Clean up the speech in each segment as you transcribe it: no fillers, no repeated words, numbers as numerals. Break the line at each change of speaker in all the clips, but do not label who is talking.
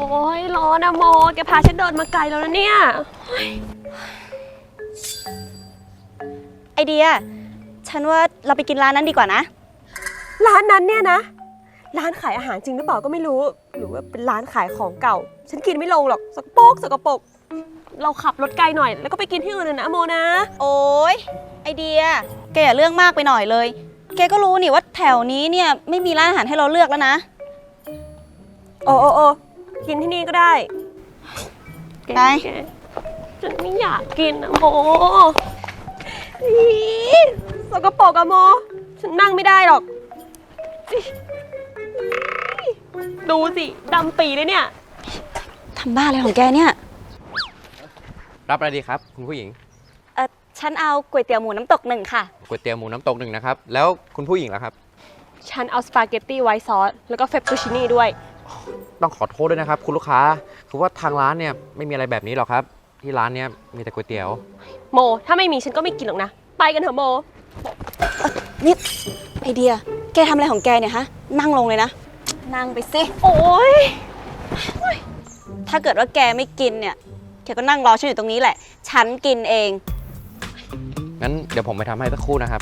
ยร้อนอะโมแกพาฉันเดินมาไกลแล้วนะเนี่ย
ไอเดียฉันว่าเราไปกินร้านนั้นดีกว่านะ
ร้านนั้นเนี่ยนะร้านขายอาหารจริงหรือเปล่าก็ไม่รู้หรือว่าเป็นร้านขายของเก่าฉันกินไม่ลงหรอกสกปรกเราขับรถไกลหน่อยแล้วก็ไปกินที่อื่นนะโมนะ
โอ้ยไอเดียแกอย่าเรื่องมากไปหน่อยเลยแกก็รู้นี่ว่าแถวนี้เนี่ยไม่มีร้านอาหารให้เราเลือกแล้วนะ
โอ้กินที่นี่ก็ได้
ไป
ฉันไม่อยากกินนะโมสกปรกอะโมฉันนั่งไม่ได้หรอกดูสิดำปีเลยเนี่ย
ทำบ้าอะไรของแกเนี่ย
รับอะไรดีครับคุณผู้หญิง
ฉันเอาก๋วยเตี๋ยวหมูน้ำตกหนึ่งค่ะ
ก๋วยเตี๋ยวหมูน้ำตกหนึ่งนะครับแล้วคุณผู้หญิงล่ะครับ
ฉันเอาสปาเกตตี้ไวท์ซอสแล้วก็เฟปตูชินี่ด้วย
ต้องขอโทษด้วยนะครับคุณลูกค้าคือว่าทางร้านเนี่ยไม่มีอะไรแบบนี้หรอกครับที่ร้านเนี่ยมีแต่ก๋วยเตี๋ยว
โมถ้าไม่มีฉันก็ไม่กินหรอกนะไปกันเถอะโม
นี่ไอเดียแกทำอะไรของแกเนี่ยฮะนั่งลงเลยนะนั่งไปสิ
โอ้ย
ถ้าเกิดว่าแกไม่กินเนี่ยแกก็นั่งรอฉันอยู่ตรงนี้แหละฉันกินเอง
งั้นเดี๋ยวผมไปทำให้สักครู่นะครับ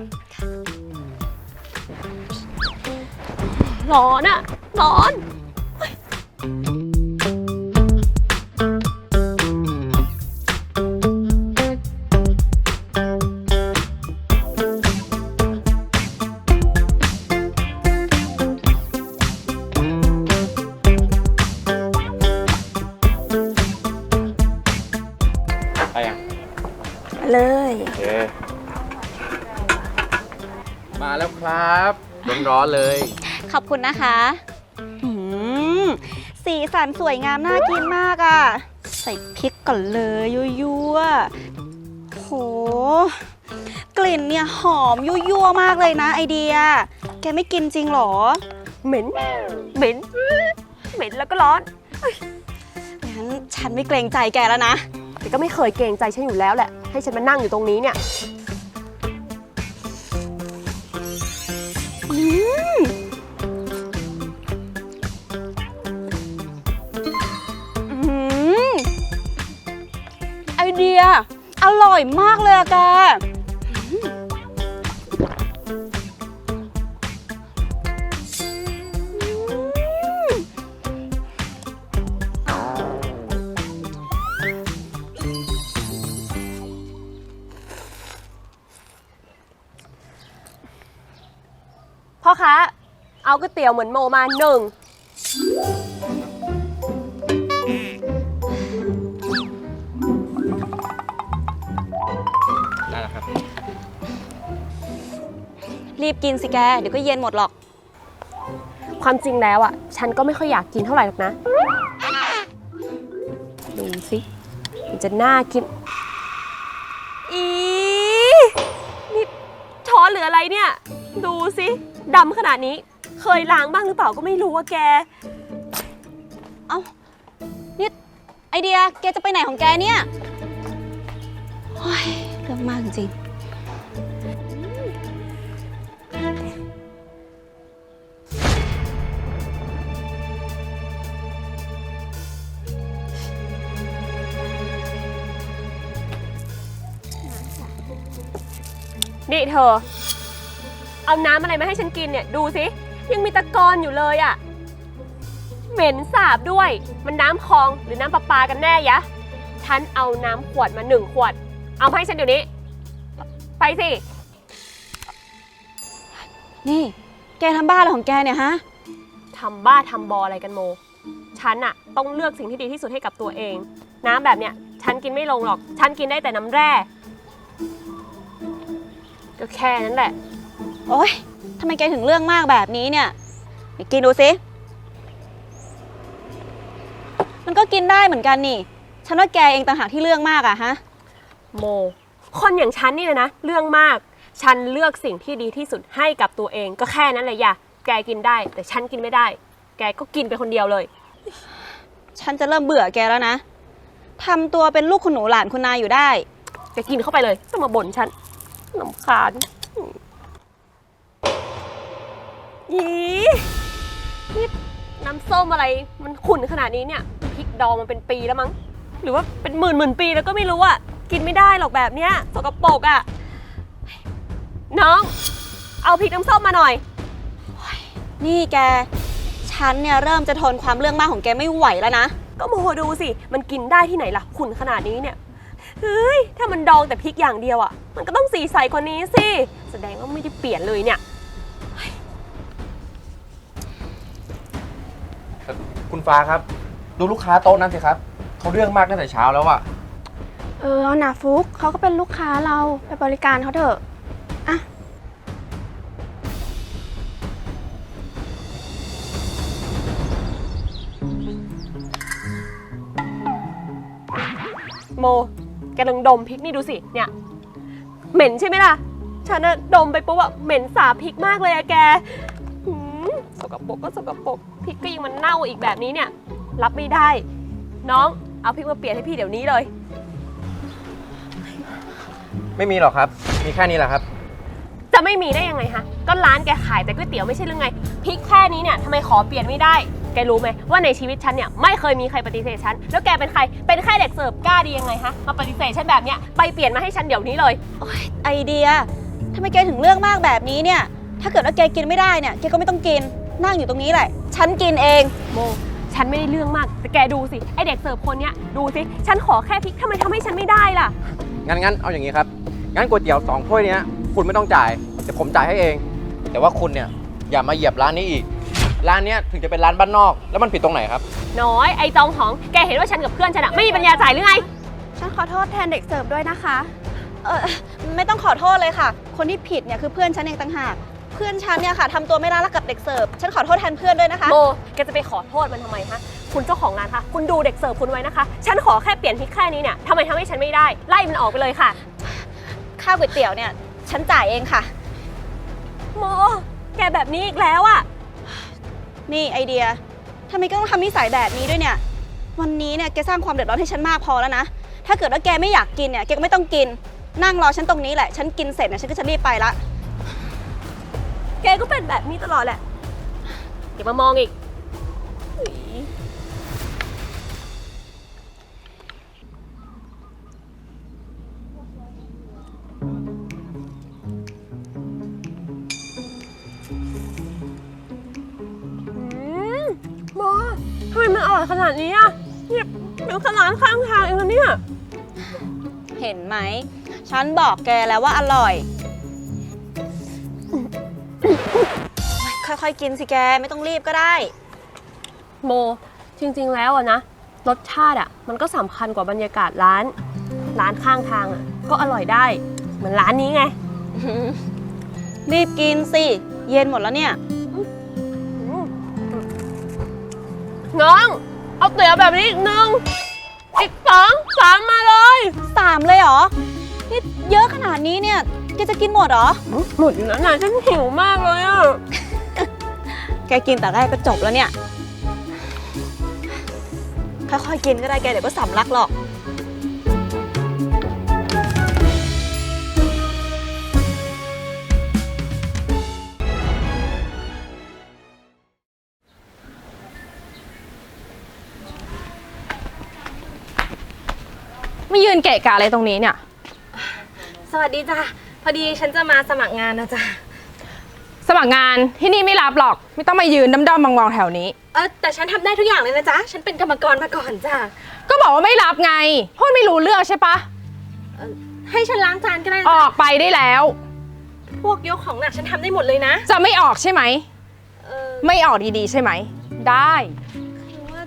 ร้อนอะร้อน
ไปยัง
เลย
โอเคมาแล้วครับร้อนๆเลย
ขอบคุณนะคะสีสันสวยงามน่ากินมากอ่ะใส่พริกก่อนเลยยั่วๆโหกลิ่นเนี่ยหอมยั่วๆมากเลยนะไอเดียแกไม่กินจริงหรอ
เหม็นแล้วก็ร้อน
งั้นฉันไม่เกรงใจแกแล้วนะ
แต่ก็ไม่เคยเกรงใจฉันอยู่แล้วแหละให้ฉันมานั่งอยู่ตรงนี้เนี่ย
ไอเดียอร่อยมากเลยอะแก
พ่อคะเอาก๋วยเตี๋ยวเหมือนโมมาหนึ่ง
ได้แล้วครับ
รีบกินสิแกเดี๋ยวก็เย็นหมดหรอก
ความจริงแล้วอ่ะฉันก็ไม่ค่อยอยากกินเท่าไหร่หรอกนะดูสิมันจะน่ากินนี่ช้อนหรืออะไรเนี่ยดูสิดำขนาดนี้เคยล้างบ้างหรือเปล่าก็ไม่รู้ว่าแก
เอ้านี่ไอเดียแกจะไปไหนของแกเนี่ยโอ้ยเรื่องมากจริง
นี่เธอเอาน้ำอะไรมาให้ฉันกินเนี่ยดูสิยังมีตะกอนอยู่เลยอ่ะเหม็นสาบด้วยมันน้ำคลองหรือน้ำประปากันแน่ยะฉันเอาน้ำขวดมา1 ขวดเอามาให้ฉันเดี๋ยวนี้ไปสิ
นี่แกทำบ้าอะไรของแกเนี่ยฮะ
ทำบ้าทำบออะไรกันโมฉันอะต้องเลือกสิ่งที่ดีที่สุดให้กับตัวเองน้ำแบบเนี้ยฉันกินไม่ลงหรอกฉันกินได้แต่น้ำแร่ก็แค่นั้นแหละ
โอ๊ยทำไมแกถึงเรื่องมากแบบนี้เนี่ยไปกินดูสิมันก็กินได้เหมือนกันนี่ฉันว่าแกเองต่างหากที่เรื่องมากอะฮะ
โมคนอย่างฉันนี่นะเรื่องมากฉันเลือกสิ่งที่ดีที่สุดให้กับตัวเองก็แค่นั้นเลยอย่าแกกินได้แต่ฉันกินไม่ได้แกก็กินไปคนเดียวเลย
ฉันจะเริ่มเบื่อแกแล้วนะทำตัวเป็นลูกคุณหนูหลานคุณนายอยู่ได้
แกกินเข้าไปเลยต้องมาบ่นฉันรำคาญนี่น้ำส้มอะไรมันขุ่นขนาดนี้เนี่ยพริกดองมันเป็นปีแล้วมั้งหรือว่าเป็นหมื่นปีแล้วก็ไม่รู้อะกินไม่ได้หรอกแบบเนี้ยสกปรกอะน้องเอาพริกน้ำส้มมาหน่อย
นี่แก ฉันเนี่ยเริ่มจะทนความเรื่องมากของแกไม่ไหวแล้วนะ
ก็โมโหดูสิมันกินได้ที่ไหนล่ะขุ่นขนาดนี้เนี่ยเฮ้ยถ้ามันดองแต่พริกอย่างเดียวอะมันก็ต้องสีใสกว่านี้สิแสดงว่าไม่ได้เปลี่ยนเลยเนี่ย
คุณฟ้าครับ ดูลูกค้าโต๊ะนั้นสิครับเขาเรื่องมากตั้งแต่เช้าแล้วอะ
เอานะฟุกเขาก็เป็นลูกค้าเราไปบริการเขาเถอะอะ
โมแกลองดมพริกนี่ดูสิเนี่ยเหม็นใช่ไหมล่ะฉันน่ะดมไปปุ๊บอะเหม็นสาบพริกมากเลยอะแกหืมสกปรกก็สกปรกพริกก็ยังมันเน่าอีกแบบนี้เนี่ยรับไม่ได้ น้องเอาพริกมาเปลี่ยนให้พี่เดี๋ยวนี้เลย
ไม่มีหรอกครับ มีแค่นี้แหละครับ
จะไม่มีได้ยังไงฮะก็ร้านแกขายแต่ก๋วยเตี๋ยวไม่ใช่หรือไงพริกแค่นี้เนี่ยทำไมขอเปลี่ยนไม่ได้แกรู้ไหมว่าในชีวิตฉันเนี่ยไม่เคยมีใครปฏิเสธฉันแล้วแกเป็นใครเป็นแค่เด็กเสิร์ฟกล้าดียังไงฮะมาปฏิเสธฉันแบบเนี้ยไปเปลี่ยนมาให้ฉันเดี๋ยวนี้เลย
โอ๊ยไอเดียทำไมแกถึงเรื่องมากแบบนี้เนี่ย ถ้าเกิดว่าแกกินไม่ได้เนี่ย แกก็ไม่ต้องกิน นั่งอยู่ตรงนี้แหละ ฉันกินเอง
โมฉันไม่ได้เรื่องมากแต่แกดูสิไอเด็กเสิร์ฟคนเนี้ยดูสิฉันขอแค่พริกทำไมทำให้ฉันไม่ได้ล่ะ
งั้นเอาอย่างนี้ครับ งั้นก๋วยเตี๋ยว2 ถ้วยเนี้ยคุณไม่ต้องจ่ายเดี๋ยวผมจ่ายให้เอง แต่ว่าคุณเนี่ยอย่ามาเหยียบร้านนี้อีก ร้านเนี้ยถึงจะเป็นร้านบ้านนอก แล้วมันผิดตรงไหนครับ
น้อยไอจองหองแกเห็นว่าฉันกับเพื่อนฉันอะไม่มีปัญญาจ่ายหรือไง
ฉันขอโทษแทนเด็กเสิร์ฟด้วยนะคะ
ไม่ต้องขอโทษเลยค่ะ คนที่ผิดเนี่ยคือเพื่อนฉันเองต่างหาก เพื่อนฉันเนี่ยค่ะทำตัวไม่น่ารักกับเด็กเสิร์ฟ ฉันขอโทษแทนเพื่อนด้วยนะคะ
โมแกจะไปขอโทษมันทำไมคะคุณเจ้าของร้านคะคุณดูเด็กเสิร์ฟคุณไว้นะคะฉันขอแค่เปลี่ยนพริกแค่นี้เนี่ยทำไมทำให้ฉันไม่ได้ไล่มันออกไปเลยค่ะ
ค่าก๋วยเตี๋ยวเนี่ย ฉันจ่ายเองค่ะ
โมแกแบบนี้อีกแล้วอะ
นี่ไอเดียทำไมก็ต้องทำนิสัยแบบนี้ด้วยเนี่ย วันนี้เนี่ยแกสร้างความเดือดร้อนให้ฉันมากพอแล้วนะ ถ้าเกิดว่าแกไม่อยากกินเนี่ย แกก็ไม่ต้องกิน นั่งรอฉันตรงนี้แหละ ฉันกินเสร็จเนี่ยฉันก็จะรีบไปละ
แกก็เป็นแบบนี้ตลอดแหละอย่ามามองอีกโมทำไมมันอร่อยขนาดนี้อะเนี่ยเป็นขนาดข้างทางเองนะเนี่ย
เห็นไหม ฉันบอกแกแล้วว่าอร่อย ค่อยๆกินสิแก ไม่ต้องรีบก็ได้
โมจริงๆแล้วอะนะรสชาติอะมันก็สำคัญกว่าบรรยากาศร้านข้างทางอะก็อร่อยได้เหมือนร้านนี้ไง
รีบกินสิ เย็นหมดแล้วเนี่ย
น้อง เอาเตี๋ยวแบบนี้อีกหนึ่งอีก2 3มาเลย
3 เลยเหรอ นี่เยอะขนาดนี้เนี่ย แกจะกินหมดเหรอ
หมดอยู่แล้วนะฉันหิวมากเลยอะ
แกกินแต่แรกก็จบแล้วเนี่ย ค่อยๆกินก็ได้แกเดี๋ยวก็สำลักหรอก
ไม่ยืนเกะกะอะไรตรงนี้เนี่ย
สวัสดีจ้ะพอดีฉันจะมาสมัครงานนะจ๊ะ
สมัครงานที่นี่ไม่รับหรอก ไม่ต้องมายืนด้อมๆมองๆแถวนี้
แต่ฉันทำได้ทุกอย่างเลยนะจ๊ะฉันเป็นกรรมกรมาก่อนจ้ะ
ก็บอกว่าไม่รับไงพูดไม่รู้เรื่องใช่ปะ
ให้ฉันล้างจานก็ได้
อ
นะ
อกไปได้แล้ว
พวกยกของหนักฉันทำได้หมดเลยนะ
จะไม่ออกใช่ไหม
เออ
ไม่ออกดีๆใช่ไหม ได้
คือว่า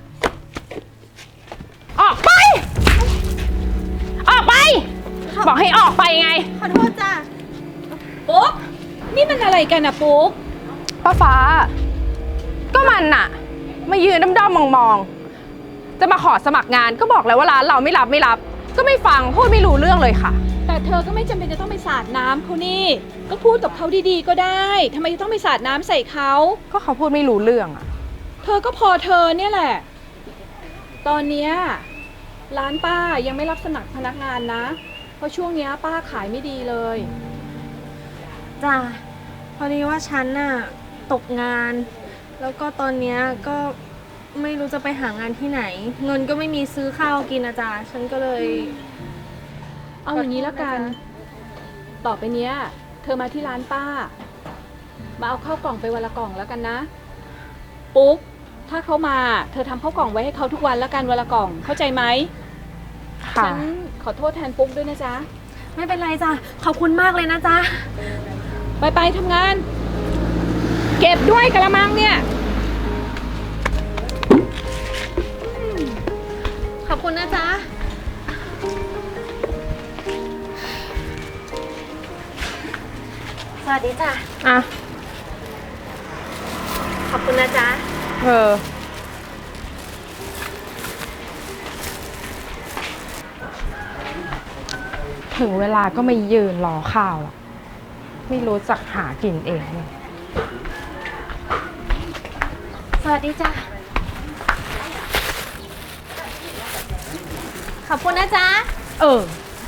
ออกไป ออกไป บอกให้ออกไปไง
ขอโทษจ้ะปุ๊กนี่มันอะไรกันอะปุ๊ก
ป้าฟ้า ก็มันน่ะ มายืนด้อมๆมองๆจะมาขอสมัครงานก็บอกแล้วว่าร้านเราไม่รับ ก็ไม่ฟังพูดไม่รู้เรื่องเลยค่ะ
แต่เธอก็ไม่จำเป็นจะต้องไปสาดน้ำเขานี่ ก็พูดกับเขาดีๆก็ได้ทำไมจะต้องไปสาดน้ำใส่เขา
ก็เขาพูดไม่รู้เรื่องอะ
เธอก็พอเธอเนี่ยแหละ ตอนเนี้ยร้านป้ายังไม่รับสมัครพนักงานนะ เพราะช่วงเนี้ยป้าขายไม่ดีเลย
จ้ะพอดีว่าฉันน่ะตกงาน แล้วก็ตอนเนี้ยก็ไม่รู้จะไปหางานที่ไหน เงินก็ไม่มีซื้อข้าวกินนะจ๊ะฉันก็เลย
เอาอย่างนี้แล้วกัน ต่อไปเนี้ย เธอมาที่ร้านป้า มาเอาข้าวกล่องไปวันละกล่องแล้วกันนะ ปุ๊ก ถ้าเขามา เธอทำข้าวกล่องไว้ให้เขาทุกวันแล้วกันวันละกล่อง เข้าใจไหม
ค่ะ
ฉันขอโทษแทนปุ๊กด้วยนะจ๊ะ
ไม่เป็นไรจ้ะขอบคุณมากเลยนะจ๊ะ
ไปทำงาน เก็บด้วยกระมังเนี่ย
ขอบคุณนะจ๊ะ สวัสดีจ้ะ
อ่ะ
ขอบคุณนะจ๊ะ
ถึงเวลาก็ไม่ยืนรอข้าวหรอกไม่รู้จักหากินเองเนี่ย
สวัสดีจ้ะ ขอบคุณนะจ๊ะ
เออ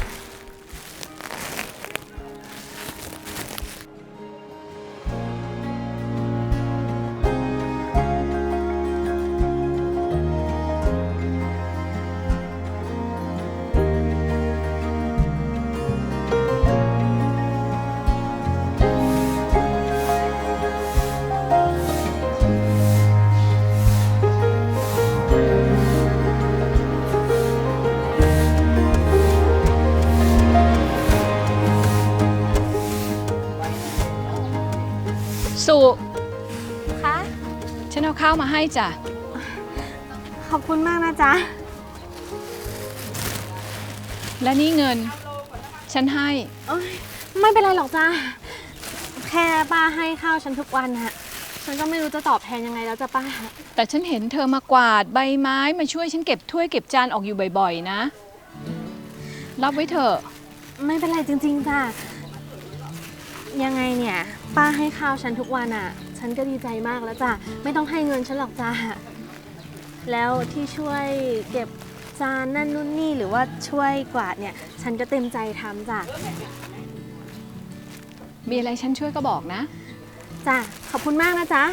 สุ
คะ
ฉันเอาข้าวมาให้จ้ะ
ขอบคุณมากนะจ๊ะ
และนี่เงิน ฉันให้
ไม่เป็นไรหรอกจ้ะ แค่ป้าให้ข้าวฉันทุกวันฮะ ฉันก็ไม่รู้จะตอบแทนยังไงแล้วจ้ะป้า
แต่ฉันเห็นเธอมากวาดใบไม้มาช่วยฉันเก็บถ้วยเก็บจานออกอยู่บ่อยๆนะ รับไว้เถอะ
ไม่เป็นไรจริงๆจ้ะ ยังไงเนี่ย ป้าให้ข้าวฉันทุกวันอ่ะ ฉันก็ดีใจมากแล้วจ้ะ ไม่ต้องให้เงินฉันหรอกจ้ะ แล้วที่ช่วยเก็บจานนั่นนู่นนี่หรือว่าช่วยกวาดเนี่ย ฉันก็เต็มใจทำจ้ะ
มีอะไรฉันช่วยก็บอกนะ
จ้ะ ขอบคุณมากนะจ๊ะ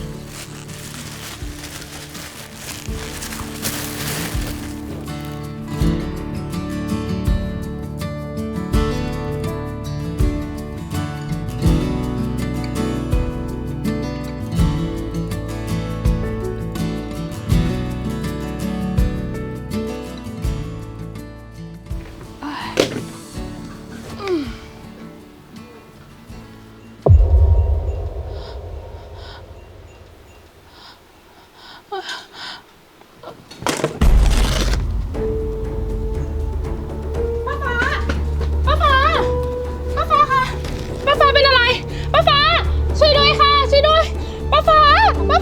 ป้าฟ้าค่ะ ป้าฟ้าเป็นอะไร ป้าฟ้า ช่วยด้วยค่ะ ช่วยด้วย ป้าฟ้าเป็น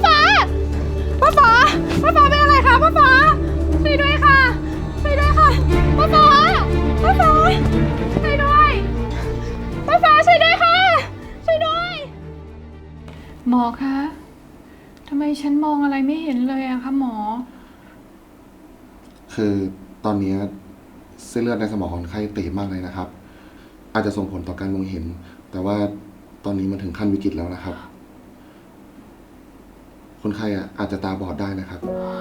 อะไรคะ ป้าฟ้า ช่วยด้วยค่ะ ช่วยด้วยค่ะ ป้าฟ้าช่วยด้วย ป้าฟ้าช่วยด้วยค่ะ ช่วยด้วย
หมอคะทำไมฉันมองอะไรไม่เห็นเลยอะคะหมอ
คือตอนนี้เส้นเลือดในสมองของคนไข้ตีบมากเลยนะครับ อาจจะส่งผลต่อการมองเห็น แต่ว่าตอนนี้มันถึงขั้นวิกฤตแล้วนะครับ คนไข้อาจจะตาบอดได้นะครับ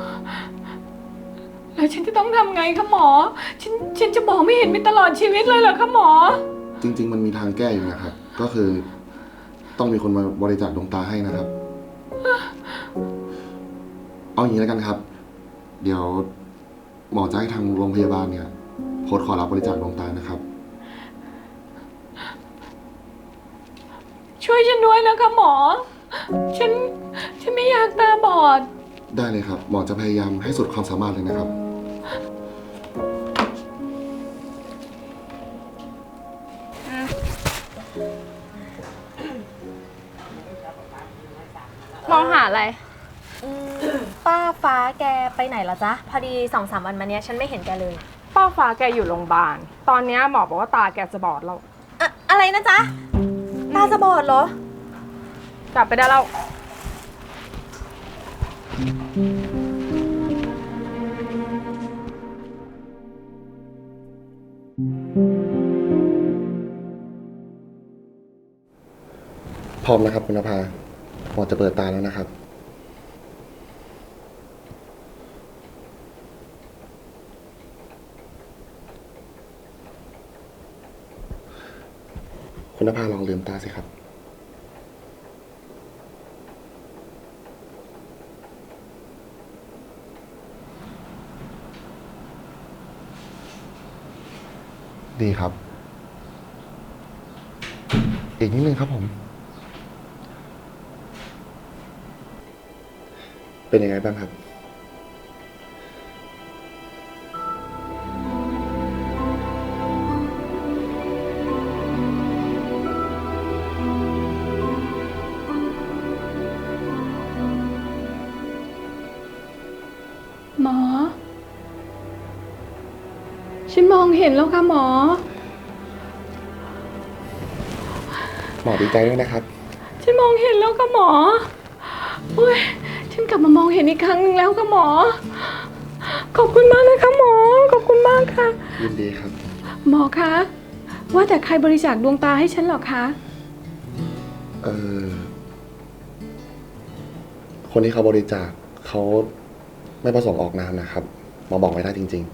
แล้วฉันจะต้องทำไงคะหมอ ฉันจะมองไม่เห็นไปตลอดชีวิตเลยเหรอคะหมอ
จริง ๆ มันมีทางแก้อยู่นะครับ ก็คือต้องมีคนมาบริจาคดวงตาให้นะครับ เอาอย่างนี้แล้วกันครับ เดี๋ยวหมอจะให้ทางโรงพยาบาลเนี่ยโพสต์ขอรับบริจาคดวงตานะครับ
ช่วยฉันด้วยนะคะหมอ ฉันไม่อยากตาบอด
ได้เลยครับ หมอจะพยายามให้สุดความสามารถเลยนะครับ
มองหาอะไร
ป้าฟ้าแกไปไหนเหรอจ๊ะ พอดี2-3 วันมาเนี้ยฉันไม่เห็นแกเลย
ป้าฟ้าแกอยู่โรงพยาบาล ตอนเนี้ยหมอบอกว่าตาแกจะบอดแล้ว
อะไรนะจ๊ะ ตาจะบอดเหรอ
กลับไปได้แล้ว
พร้อมนะครับคุณนภาหมอจะเปิดตาแล้วนะครับคุณนภาลองลืมตาสิครับ ดีครับ อีกนิดนึงครับผม เป็นยังไงบ้างครับ
หมอ ฉันมองเห็นแล้วค่ะหมอ
หมอดีใจด้วยนะครับ
ฉันมองเห็นแล้วค่ะหมอโอ้ยฉันกลับมามองเห็นอีกครั้งหนึ่งแล้วค่ะหมอ ขอบคุณมากนะคะหมอ ขอบคุณมากค่ะ
ยินดีครับ
หมอคะ ว่าแต่ใครบริจาคดวงตาให้ฉันหรอคะ
เออ คนที่เขาบริจาคเขาไม่ประสงค์ออกนามนะครับ หมอบอกไม่ได้จริง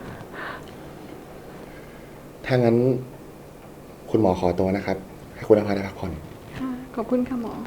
ๆ ถ้างั้น คุณหมอขอตัวนะครับ ให้คุณนภาได้พักผ่อน
ค่ะ ขอบคุณค่ะหมอ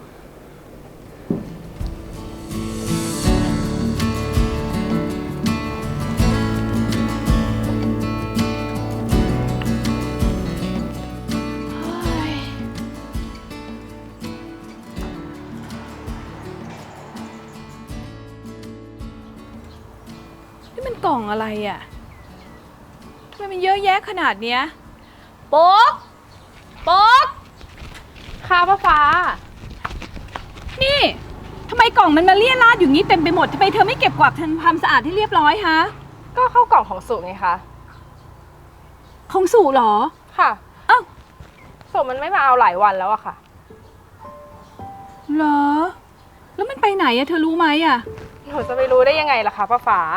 นี่มันกล่องอะไรอ่ะ ทำไมมันเยอะแยะขนาดเนี้ย
ปุ๊ก ปุ๊ก ค่ะป้าฟ้า
นี่ทำไมกล่องมันมาเลี่ยราดอยู่งี้เต็มไปหมดทำไมเธอไม่เก็บกวาดทำความสะอาดให้เรียบร้อยฮะ
ก็เข้ากล่องของสุไงคะ
ของสู่เหรอ
ค่ะ
เอ้า
สุมันไม่มาเอาหลายวันแล้วอะค่ะ
เหรอ แล้วมันไปไหนอะเธอรู้ไหมอะ
หนูจะไปรู้ได้ยังไงล่ะคะป้าฟ้า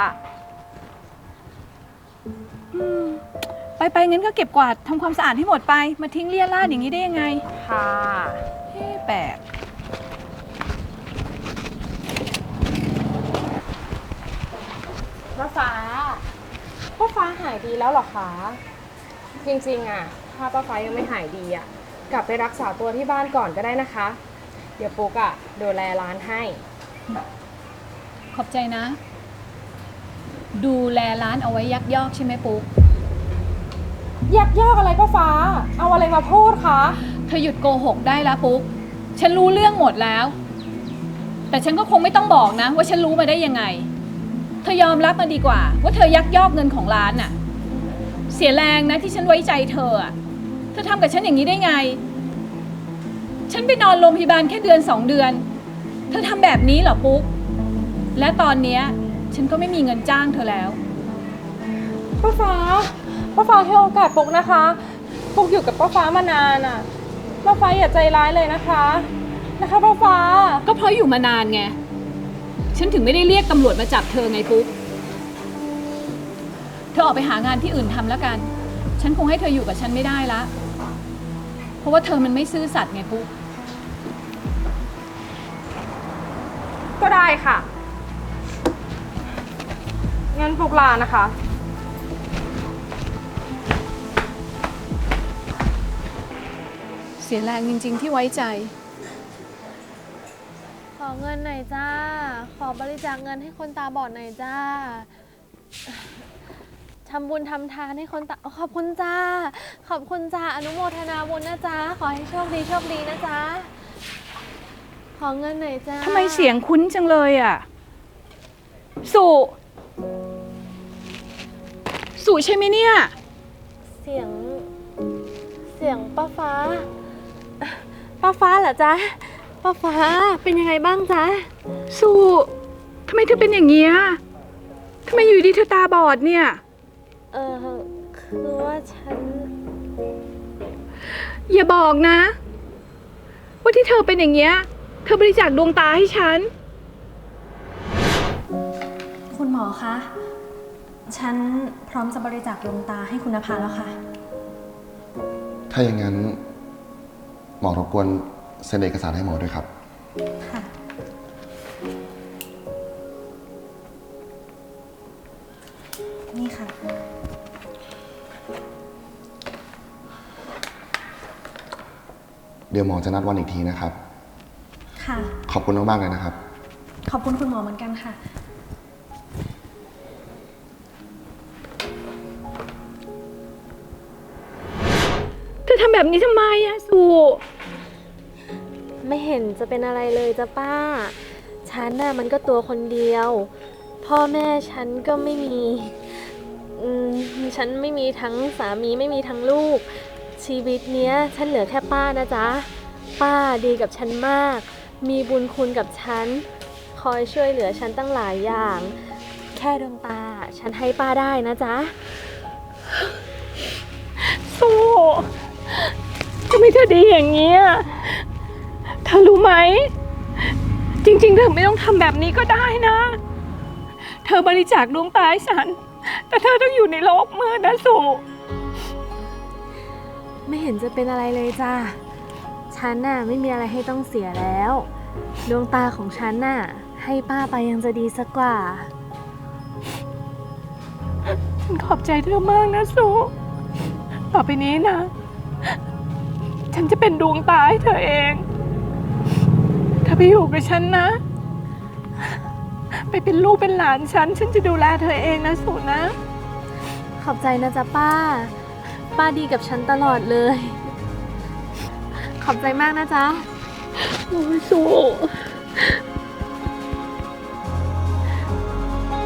ไปงั้นก็เก็บกวาดทำความสะอาดให้หมดไป มาทิ้งเลี่ยราดอย่างนี้ได้ยังไง
ค่ะ
เฮ้แปลก
ป้าฟ้า ป้าฟ้าหายดีแล้วเหรอคะ จริงๆอะถ้าป้าฟ้ายังไม่หายดีอะกลับไปรักษาตัวที่บ้านก่อนก็ได้นะคะ เดี๋ยวปุ๊กอะดูแลร้านให้
ขอบใจนะ ดูแลร้านเอาไว้ยักยอกใช่ไหมปุ๊ก
ยักยอกอะไรป้าฟ้า เอาอะไรมาพูดคะ
เธอหยุดโกหกได้แล้วปุ๊ก ฉันรู้เรื่องหมดแล้ว แต่ฉันก็คงไม่ต้องบอกนะ ว่าฉันรู้มาได้ยังไง เธอยอมรับมาดีกว่า ว่าเธอยักยอกเงินของร้านน่ะ เสียแรงนะที่ฉันไว้ใจเธออะเธอทำกับฉันอย่างนี้ได้ไง ฉันไปนอนโรงพยาบาลแค่เดือน2 เดือน เธอทำแบบนี้เหรอปุ๊ก และตอนเนี้ยฉันก็ไม่มีเงินจ้างเธอแล้ว
ป้าฟ้าให้โอกาสปุ๊กนะคะ ปุ๊กอยู่กับป้าฟ้ามานานอะป้าฟ้าอย่าใจร้ายเลยนะคะป้าฟ้า
ก็เพราะอยู่มานานไง ฉันถึงไม่ได้เรียกตำรวจมาจับเธอไงปุ๊ก เธอออกไปหางานที่อื่นทำแล้วกัน ฉันคงให้เธออยู่กับฉันไม่ได้ละ เพราะว่าเธอมันไม่ซื่อสัตย์ไงปุ๊ก
ก็ได้ค่ะ งั้นปุ๊กลานะคะ
เสียแรงจริงๆที่ไว้ใจ
ขอเงินหน่อยจ้า ขอบริจาคเงินให้คนตาบอดหน่อยจ้า ทำบุญทำทานให้คนตาขอบคุณจ้า ขอบคุณจ้า อนุโมทนาบุญนะจ้า ขอให้โชคดีนะจ้า ขอเงินหน่อยจ้า
ทำไมเสียงคุ้นจังเลยอ่ะ สุใช่ไหมเนี่ย
เสียงป้าฟ้า ป้าฟ้าเหรอจ๊ะ ป้าฟ้าเป็นยังไงบ้างจ๊ะ
สุทำไมเธอเป็นอย่างเงี้ยทำไมอยู่ดีเธอตาบอดเนี่ย
คือว่าฉัน
อย่าบอกนะ ว่าที่เธอเป็นอย่างเงี้ย เธอบริจาคดวงตาให้ฉัน
คุณหมอคะ ฉันพร้อมจะบริจาคดวงตาให้คุณนภาแล้วค่ะ
ถ้าอย่างนั้น หมอรบกวนเซ็นเอกสารให้หมอด้วยครับ
ค่ะ นี่ค่ะ
คเดี๋ยวหมอจะนัดวันอีกทีนะครับ
ค่ะ
ขอบคุณมากๆเลยนะครับ
ขอบคุณคุณหมอเหมือนกันค่ะ
เธอทำแบบนี้ทำไมอะสุ
ไม่เห็นจะเป็นอะไรเลยจ้ะป้า ฉันน่ะมันก็ตัวคนเดียว พ่อแม่ฉันก็ไม่มีฉันไม่มีทั้งสามีไม่มีทั้งลูก ชีวิตเนี้ยฉันเหลือแค่ป้านะจ๊ะ ป้าดีกับฉันมาก มีบุญคุณกับฉัน คอยช่วยเหลือฉันตั้งหลายอย่าง แค่ดวงตาฉันให้ป้าได้นะจ๊ะ
สุทำไมเธอดีอย่างนี้อะเธอรู้ไหม จริงๆ เธอไม่ต้องทำแบบนี้ก็ได้นะ เธอบริจาคดวงตาให้ฉัน แต่เธอต้องอยู่ในโลกมืดนะสุ
ไม่เห็นจะเป็นอะไรเลยจ้ะ ฉันน่ะไม่มีอะไรให้ต้องเสียแล้ว ดวงตาของฉันน่ะให้ป้าไปยังจะดีสักกว่า
ฉันขอบใจเธอมากนะสุต่อไปนี้นะ ฉันจะเป็นดวงตาให้เธอเองเธอไปอยู่กับฉันนะ ไปเป็นลูกเป็นหลานฉันจะดูแลเธอเองนะสุนะ
ขอบใจนะจ๊ะป้า ป้าดีกับฉันตลอดเลย ขอบใจมากนะจ๊ะ
โอ้ยสุ